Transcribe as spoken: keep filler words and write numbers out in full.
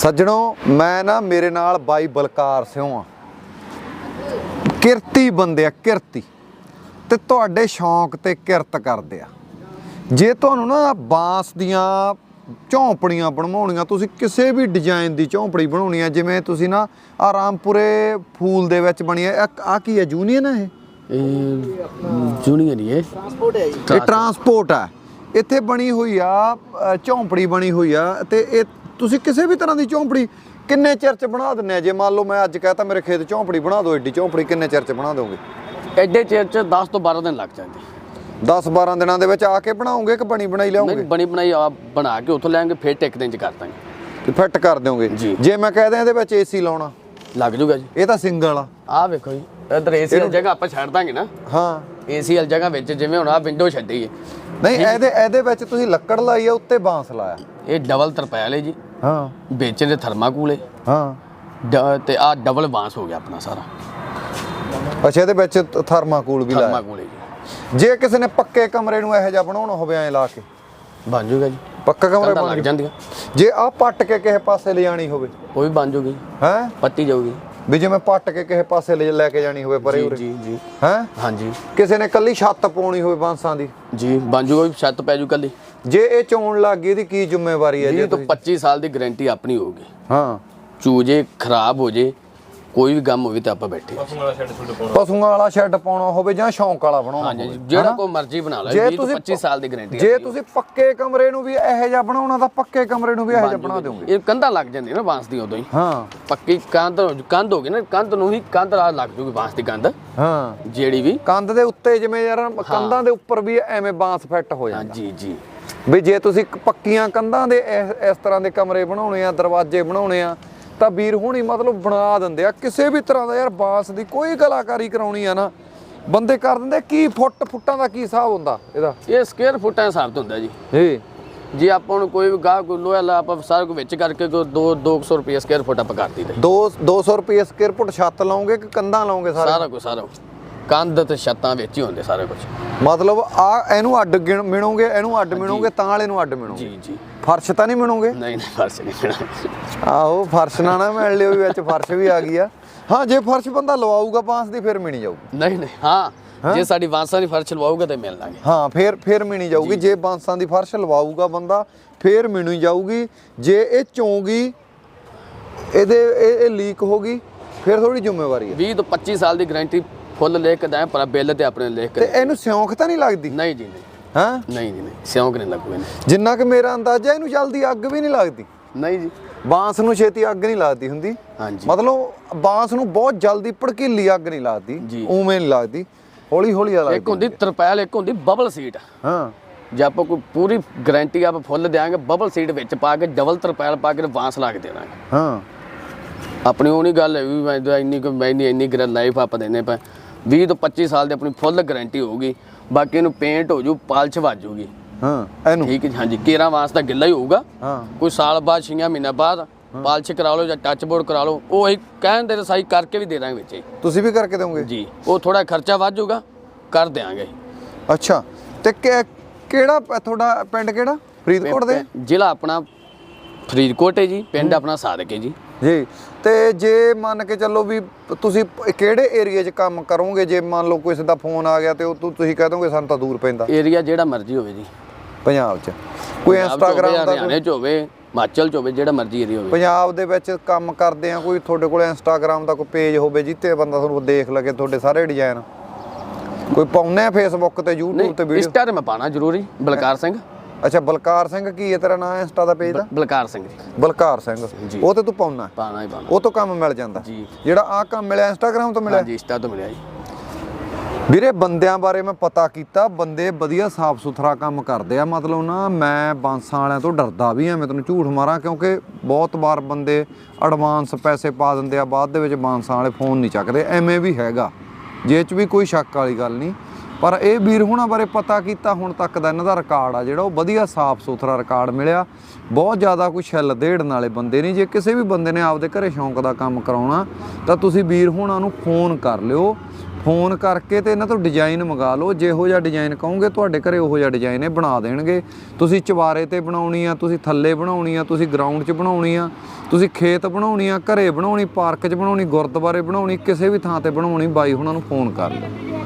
सज्जणों मैं ना मेरे नाल बाई बलकार सिंह आ किरती बंदे आ किरती ते तुहाडे शौक ते किरत करदे आ। जे तुहानू ना बांस दियां झोंपड़ियां बनवाउणियां तुसीं किसी भी डिजाइन की झोंपड़ी बनाउणी आ जिवें तुसीं ना आ रामपुरे फूल दे विच बणी आ आ की है यूनीयन है जूनियर ये ट्रांसपोर्ट है ये ट्रांसपोर्ट है इत्थे बनी हुई आ झोंपड़ी बनी हुई आ ते ए तुसीं किसी भी तरह की झोंपड़ी किन्ने चिर च बना दिंदे आ। जे मान लो मैं अज कहता मेरे खेत झोंपड़ी बना दो एड्डी झोंपड़ी किन्ने चिर च बना दोगे? एडे चिर च दस तो बारह दिन लग जाते। दस बारह दिनों के आके बनाओगे कि बनी बनाई लियाओगे? नहीं बनी बनाई आप बना के उतों लेंगे फिर एक दिन च कर देंगे फिट कर दोगे जी। जे मैं कह दें इहदे विच एसी लाउणा लग जूगा जी। ये तो सिंगल आ आ वेखो जी इधर एसी वाली जगह आप छड्ड दांगे ना। हाँ एसी वाली जगह विच जिवें हुण आ विंडो छड्डी है नहीं ਇਹਦੇ ਇਹਦੇ ਵਿੱਚ ਤੁਸੀਂ ਲੱਕੜ ਲਾਈ ਆ ਉੱਤੇ ਬਾਂਸ ਲਾਇਆ। ਇਹ ਡਬਲ ਤਰਪਾਲ ਹੈ ਜੀ। ਹਾਂ ਵਿੱਚ ਦੇ ਥਰਮਾਕੂਲ ਹੈ। ਹਾਂ ਤੇ ਆ ਡਬਲ ਬਾਂਸ ਹੋ ਗਿਆ ਆਪਣਾ ਸਾਰਾ। ਅੱਛਾ ਇਹਦੇ ਵਿੱਚ ਥਰਮਾਕੂਲ ਵੀ ਲਾਇਆ। ਥਰਮਾਕੂਲ ਹੈ ਜੀ। ਜੇ ਕਿਸੇ ਨੇ ਪੱਕੇ ਕਮਰੇ ਨੂੰ ਇਹੋ ਜਿਹਾ ਬਣਾਉਣਾ ਹੋਵੇ ਐ ਲਾ ਕੇ ਬਣ ਜੂਗਾ ਜੀ। ਪੱਕਾ ਕਮਰਾ ਬਣ ਲੱਗ ਜਾਂਦੀਆਂ। ਜੇ ਆ ਪੱਟ ਕੇ ਕਿਸੇ ਪਾਸੇ ਲਿਜਾਣੀ ਹੋਵੇ ਉਹ ਵੀ ਬਣ ਜੂਗੀ। ਹੈ ਪੱਟੀ ਜਾਊਗੀ ਵੀ ਜਿਵੇਂ ਪੱਟ ਕੇ ਕਿਸੇ ਪਾਸੇ ਲੈ ਕੇ ਜਾਣੀ ਹੋਵੇ ਪਰੇ ਉਰੇ ਜੀ ਜੀ ਹੈ ਹਾਂਜੀ ਕਿਸੇ ਨੇ ਕੱਲੀ ਛੱਤ ਪਾਉਣੀ ਹੋਵੇ ਬਾਂਸਾਂ ਦੀ ਜੀ ਬਣ ਜੂਗਾ ਛੱਤ ਪੈ ਜੂ ਕੱਲੀ। ਜੇ ਇਹ ਚੋਣ ਲੱਗ ਗਈ ਇਹਦੀ ਕੀ ਜ਼ਿੰਮੇਵਾਰੀ ਹੈ? ਜੀ ਤਾਂ ਪੱਚੀ ਸਾਲ ਦੀ ਗਾਰੰਟੀ ਆਪਣੀ ਹੋਊਗੀ। ਹਾਂ ਚੂਜੇ ਖਰਾਬ ਹੋ ਜੇ ਕੋਈ ਵੀ ਗਮ ਹੋਵੇ ਤਾਂ ਆਪਾਂ ਬੈਠੇ। ਪਸ਼ੂਆਂ ਵਾਲਾ ਸ਼ੈੱਡ ਪਾਉਣਾ ਹੋਵੇ ਜਾਂ ਸ਼ੌਂਕ ਵਾਲਾ ਬਣਾਉਣਾ ਹਾਂਜੀ ਜਿਹੜਾ ਕੋਈ ਮਰਜ਼ੀ ਬਣਾ ਲਓ। ਵੀਹ ਤੋਂ ਪੱਚੀ ਸਾਲ ਦੀ ਗਾਰੰਟੀ। ਜੇ ਤੁਸੀਂ ਪੱਕੇ ਕਮਰੇ ਨੂੰ ਵੀ ਇਹੋ ਜਿਹਾ ਬਣਾਉਣਾ ਤਾਂ ਪੱਕੇ ਕਮਰੇ ਨੂੰ ਵੀ ਇਹੋ ਜਿਹਾ ਬਣਾ ਦਿਓਗੇ। ਇਹ ਕੰਧਾਂ ਲੱਗ ਜਾਂਦੀਆਂ ਨਾ ਬਾਂਸ ਦੀ ਉਦੋਂ ਹੀ। ਹਾਂ ਪੱਕੀ ਕੰਧ ਕੰਧ ਹੋ ਗਈ ਨਾ ਕੰਧ ਨੂੰ ਹੀ ਕੰਧ ਲੱਗ ਜੂਗੀ ਬਾਂਸ ਦੀ ਕੰਧ। ਹਾਂ ਜਿਹੜੀ ਵੀ ਕੰਧ ਦੇ ਉੱਤੇ ਜਿਵੇਂ ਯਾਰ ਕੰਧਾਂ ਦੇ ਉੱਪਰ ਵੀ ਐਵੇਂ ਬਾਂਸ ਫਿੱਟ ਹੋ ਜਾਂਦਾ। ਜੀ ਜੀ ਵੀ ਜੇ ਤੁਸੀਂ ਪੱਕੀਆਂ ਕੰਧਾਂ ਦੇ ਇਸ ਤਰ੍ਹਾਂ ਦੇ ਕਮਰੇ ਬਣਾਉਣੇ ਆ ਦਰਵਾਜ਼ੇ ਬਣਾਉਣੇ ਆ ਤਾਂ ਵੀਰ ਹੁਣੀ ਮਤਲਬ ਬਣਾ ਦਿੰਦੇ ਆ ਕਿਸੇ ਵੀ ਤਰ੍ਹਾਂ ਦਾ। ਯਾਰ ਬਾਂਸ ਦੀ ਕੋਈ ਕਲਾਕਾਰੀ ਕਰਾਉਣੀ ਆ ਨਾ ਬੰਦੇ ਕਰ ਦਿੰਦੇ। ਕੀ ਫੁੱਟ ਫੁੱਟਾਂ ਦਾ ਕੀ ਹਿਸਾਬ ਹੁੰਦਾ ਇਹਦਾ? ਇਹ ਸਕੁਅਰ ਫੁੱਟਾਂ ਦਾ ਹਿਸਾਬ ਹੁੰਦਾ ਜੀ। ਜੀ ਜੇ ਆਪਾਂ ਨੂੰ ਕੋਈ ਵੀ ਗਾਹ ਕੋਈ ਲੋਹਾ ਲਾ ਆਪਾਂ ਸਾਰਾ ਕੁਝ ਵਿੱਚ ਕਰਕੇ ਕੋਈ ਦੋ ਦੋ ਸੌ ਰੁਪਏ ਸਕੁਅਰ ਫੁੱਟ ਆਪਾਂ ਕਰ ਦਈਦਾ। ਦੋ ਦੋ ਸੌ ਰੁਪਏ ਸਕੁਅਰ ਫੁੱਟ ਛੱਤ ਲਾਉਂਗੇ ਕਿ ਕੰਧਾਂ ਲਾਉਂਗੇ? ਸਾਰਾ ਸਾਰਾ ਕੁਝ ਸਾਰਾ ਕੰਧ ਤੇ ਛੱਤਾਂ ਵਿੱਚ ਹੀ ਹੁੰਦੇ ਸਾਰੇ ਕੁਝ। ਮਤਲਬ ਆ ਇਹਨੂੰ ਅੱਡ ਮਿਣੋਗੇ ਇਹਨੂੰ ਅੱਡ ਮਿਣੋਗੇ ਤਾਂ ਵਾਲੇ ਨੂੰ ਅੱਡ ਮਿਣੋਗੇ। ਜੀ ਜੀ ਫਰਸ਼ ਤਾਂ ਨਹੀਂ ਮਿਣੋਗੇ? ਨਹੀਂ ਨਹੀਂ ਫਰਸ਼ ਨਹੀਂ ਮਿਲਣਾ। ਆਹੋ ਫਰਸ਼ ਨਾ ਨਾ ਮਿਲ ਲਿਓ ਵਿੱਚ ਫਰਸ਼ ਵੀ ਆ ਗਈ ਆ। ਹਾਂ ਜੇ ਫਰਸ਼ ਬੰਦਾ ਲਵਾਊਗਾ ਬਾਂਸ ਦੀ ਫਿਰ ਮਿਣੀ ਜਾਊਗੀ। ਨਹੀਂ ਨਹੀਂ ਹਾਂ ਜੇ ਸਾਡੀ ਬਾਂਸਾਂ ਦੀ ਫਰਸ਼ ਲਵਾਊਗਾ ਤੇ ਮਿਲ ਲਾਂਗੇ। ਹਾਂ ਫਿਰ ਫਿਰ ਮਿਣੀ ਜਾਊਗੀ। ਜੇ ਬਾਂਸਾਂ ਦੀ ਫਰਸ਼ ਲਵਾਊਗਾ ਬੰਦਾ ਫਿਰ ਮਿਣੀ ਜਾਊਗੀ। ਜੇ ਇਹ ਚੋਂਗੀ ਇਹਦੇ ਇਹ ਲੀਕ ਹੋ ਗਈ ਫਿਰ ਥੋੜੀ ਜ਼ਿੰਮੇਵਾਰੀ ਹੈ। ਵੀਹ ਤੋਂ ਪੱਚੀ ਸਾਲ ਦੀ ਗਾਰੰਟੀ ਫੁੱਲ ਲਿਖ ਕੇ ਦਾਂ ਪਰ ਬਿੱਲ ਤੇ ਆਪਣੇ ਲਿਖ ਕੇ। ਤੇ ਇਹਨੂੰ ਸਿਉਂਖ ਤਾਂ ਨਹੀਂ ਲੱਗਦੀ? ਨਹੀਂ ਜੀ ਨਹੀਂ ਹਾਂ ਨਹੀਂ ਜੀ ਨਹੀਂ ਸਿਉਂਕ ਨਹੀਂ ਲੱਗੂਗਾ। ਜਿੰਨਾ ਕਿ ਮੇਰਾ ਅੰਦਾਜ਼ਾ ਇਹਨੂੰ ਜਲਦੀ ਅੱਗ ਵੀ ਨਹੀਂ ਲੱਗਦੀ। ਨਹੀਂ ਜੀ ਬਾਂਸ ਨੂੰ ਛੇਤੀ ਅੱਗ ਨਹੀਂ ਲੱਗਦੀ ਹੁੰਦੀ। ਹਾਂਜੀ ਮਤਲਬ ਬਾਂਸ ਨੂੰ ਬਹੁਤ ਜਲਦੀ ਭੜਕੀਲੀ ਅੱਗ ਨਹੀਂ ਲੱਗਦੀ ਉਵੇਂ ਨਹੀਂ ਲੱਗਦੀ ਹੌਲੀ ਹੌਲੀ ਲੱਗਦੀ। ਇੱਕ ਹੁੰਦੀ ਤਰਪਾਲ ਇੱਕ ਹੁੰਦੀ ਬਬਲ ਸੀਟ। ਹਾਂ ਜੇ ਆਪਾਂ ਕੋਈ ਪੂਰੀ ਗਾਰੰਟੀ ਆਪਾਂ ਫੁੱਲ ਦੇਾਂਗੇ ਬਬਲ ਸੀਟ ਵਿੱਚ ਪਾ ਕੇ ਡਬਲ ਤਰਪਾਲ ਪਾ ਕੇ ਬਾਂਸ ਲਾ ਕੇ ਦੇ ਦਾਂਗੇ। ਹਾਂ ਆਪਣੀ ਉਹ ਨਹੀਂ ਗੱਲ ਹੈ ਵੀ ਮੈਂ ਇੰਨੀ ਕੋਈ ਮੈਂ ਇੰਨੀ ਇੰਨੀ ਲਾਈਫ ਆਪਾਂ ਦੇਣੇ ਪਏ। ਵੀਹ ਤੋਂ ਪੱਚੀ ਸਾਲ ਦੀ ਆਪਣੀ ਫੁੱਲ ਗਾਰੰਟੀ ਹੋਊਗੀ। ਬਾਕੀ ਇਹਨੂੰ ਪੇਂਟ ਹੋ ਜੂ ਪਾਲਸ਼ ਵੱਜੂਗੀ। ਹਾਂ ਇਹਨੂੰ ਠੀਕ ਹੈ ਹਾਂਜੀ ਕੇਰਾਂ ਵਾਸਤਾ ਗਿੱਲਾ ਹੀ ਹੋਊਗਾ। ਹਾਂ ਕੋਈ ਸਾਲ ਬਾਅਦ ਛੇ ਮਹੀਨਾ ਬਾਅਦ ਪਾਲਸ਼ ਕਰਾ ਲਓ ਜਾਂ ਟੱਚ ਬੋਰਡ ਕਰਾ ਲਓ ਉਹ ਅਸੀਂ ਕਹਿਣ ਦੇ ਸਾਈ ਕਰਕੇ ਵੀ ਦੇ ਦਾਂਗੇ ਵਿੱਚ। ਤੁਸੀਂ ਵੀ ਕਰਕੇ ਦਿਓਗੇ? ਜੀ ਉਹ ਥੋੜਾ ਖਰਚਾ ਵੱਧ ਜਾਊਗਾ ਕਰ ਦਿਆਂਗੇ। ਅੱਛਾ ਤੇ ਕਿਹੜਾ ਤੁਹਾਡਾ ਪਿੰਡ ਕਿਹੜਾ? ਫਰੀਦਕੋਟ ਦੇ? ਜ਼ਿਲ੍ਹਾ ਆਪਣਾ ਫਰੀਦਕੋਟ ਹੈ ਜੀ। ਪਿੰਡ ਆਪਣਾ ਸਾਦਕ ਹੈ ਜੀ। ਜੀ ਤੇ ਜੇ ਮੰਨ ਕੇ ਚੱਲੋ ਵੀ ਤੁਸੀਂ ਕਿਹੜੇ ਏਰੀਆ 'ਚ ਕੰਮ ਕਰੋਗੇ? ਜੇ ਮੰਨ ਲਓ ਕਿਸੇ ਦਾ ਫੋਨ ਆ ਗਿਆ ਤੇ ਉਹ ਤੁਸੀਂ ਕਹਿ ਦੋਗੇ ਸਾਨੂੰ ਤਾਂ ਦੂਰ ਪੈਂਦਾ। ਏਰੀਆ ਜਿਹੜਾ ਮਰਜ਼ੀ ਹੋਵੇ ਜੀ ਪੰਜਾਬ 'ਚ ਕੋਈ ਇੰਸਟਾਗ੍ਰਾਮ ਦਾ ਹਰਿਆਣੇ 'ਚ ਹੋਵੇ ਹਿਮਾਚਲ 'ਚ ਹੋਵੇ ਜਿਹੜਾ ਮਰਜ਼ੀ ਏਰੀਆ ਹੋਵੇ। ਪੰਜਾਬ ਦੇ ਵਿੱਚ ਕੰਮ ਕਰਦੇ ਆ ਕੋਈ ਤੁਹਾਡੇ ਕੋਲ ਇੰਸਟਾਗ੍ਰਾਮ ਦਾ ਕੋਈ ਪੇਜ ਹੋਵੇ ਜਿੱਤੇ ਬੰਦਾ ਤੁਹਾਨੂੰ ਦੇਖ ਲਗੇ ਤੁਹਾਡੇ ਸਾਰੇ ਡਿਜ਼ਾਈਨ ਕੋਈ ਪਾਉਨੇ ਆ ਫੇਸਬੁੱਕ ਤੇ YouTube ਤੇ ਵੀਡੀਓ? ਇੰਸਟਾ ਤੇ ਮੈਂ ਪਾਣਾ ਜ਼ਰੂਰੀ ਬਲਕਾਰ ਸਿੰਘ। ਅੱਛਾ ਬਲਕਾਰ ਸਿੰਘ ਕੀ ਹੈ ਤੇਰਾ ਨਾਮ ਇੰਸਟਾ ਦਾ ਪੇਜ ਦਾ? ਬਲਕਾਰ ਸਿੰਘ ਜੀ। ਬਲਕਾਰ ਸਿੰਘ ਉਹ ਤੇ ਤੂੰ ਪਾਉਣਾ? ਪਾਣਾ ਹੀ ਪਾਣਾ। ਉਹ ਤੋਂ ਕੰਮ ਮਿਲ ਜਾਂਦਾ ਜੀ। ਜਿਹੜਾ ਆ ਕੰਮ ਮਿਲਿਆ ਇੰਸਟਾਗ੍ਰਾਮ ਤੋਂ ਮਿਲਿਆ? ਜੀ ਇੰਸਟਾ ਤੋਂ ਮਿਲਿਆ ਜੀ। ਵੀਰੇ ਬੰਦਿਆਂ ਬਾਰੇ ਮੈਂ ਪਤਾ ਕੀਤਾ ਬੰਦੇ ਵਧੀਆ ਸਾਫ ਸੁਥਰਾ ਕੰਮ ਕਰਦੇ ਆ। ਮਤਲਬ ਨਾ ਮੈਂ ਬਾਂਸਾਂ ਵਾਲਿਆਂ ਤੋਂ ਡਰਦਾ ਵੀ ਆ ਮੈਂ ਤੈਨੂੰ ਝੂਠ ਮਾਰਾਂ ਕਿਉਂਕਿ ਬਹੁਤ ਵਾਰ ਬੰਦੇ ਐਡਵਾਂਸ ਪੈਸੇ ਪਾ ਦਿੰਦੇ ਆ ਬਾਅਦ ਦੇ ਵਿੱਚ ਬਾਂਸਾਂ ਵਾਲੇ ਫੋਨ ਨਹੀਂ ਚੱਕਦੇ। ਐਵੇਂ ਵੀ ਹੈਗਾ ਜੇ 'ਚ ਵੀ ਕੋਈ ਸ਼ੱਕ ਵਾਲੀ ਗੱਲ ਨਹੀਂ। ਪਰ ਇਹ ਵੀਰ ਹੁਣਾਂ ਬਾਰੇ ਪਤਾ ਕੀਤਾ ਹੁਣ ਤੱਕ ਦਾ ਇਹਨਾਂ ਦਾ ਰਿਕਾਰਡ ਆ ਜਿਹੜਾ ਉਹ ਵਧੀਆ ਸਾਫ ਸੁਥਰਾ ਰਿਕਾਰਡ ਮਿਲਿਆ। ਬਹੁਤ ਜ਼ਿਆਦਾ ਕੋਈ ਛਿੱਲ ਦੇੜਨ ਵਾਲੇ ਬੰਦੇ ਨਹੀਂ। ਜੇ ਕਿਸੇ ਵੀ ਬੰਦੇ ਨੇ ਆਪਦੇ ਘਰੇ ਸ਼ੌਂਕ ਦਾ ਕੰਮ ਕਰਾਉਣਾ ਤਾਂ ਤੁਸੀਂ ਵੀਰ ਹੁਣਾਂ ਨੂੰ ਫੋਨ ਕਰ ਲਿਓ। ਫੋਨ ਕਰਕੇ ਤੇ ਇਹਨਾਂ ਤੋਂ ਡਿਜ਼ਾਈਨ ਮੰਗਾ ਲਓ, ਜਿਹੋ ਜਿਹਾ ਡਿਜ਼ਾਈਨ ਕਹੋਗੇ ਤੁਹਾਡੇ ਘਰੇ ਉਹੋ ਜਿਹਾ ਡਿਜ਼ਾਈਨ ਇਹ ਬਣਾ ਦੇਣਗੇ। ਤੁਸੀਂ ਚਵਾਰੇ ਤੇ ਬਣਾਉਣੀ ਆ, ਤੁਸੀਂ ਥੱਲੇ ਬਣਾਉਣੀ ਆ, ਤੁਸੀਂ ਗਰਾਊਂਡ 'ਚ ਬਣਾਉਣੀ ਆ, ਤੁਸੀਂ ਖੇਤ ਬਣਾਉਣੀ ਆ, ਘਰੇ ਬਣਾਉਣੀ, ਪਾਰਕ 'ਚ ਬਣਾਉਣੀ, ਗੁਰਦੁਆਰੇ ਬਣਾਉਣੀ, ਕਿਸੇ ਵੀ ਥਾਂ ਤੇ ਬਣਾਉਣੀ, ਬਾਈ ਹੁਣਾਂ ਨੂੰ ਫੋਨ ਕਰ ਲਓ।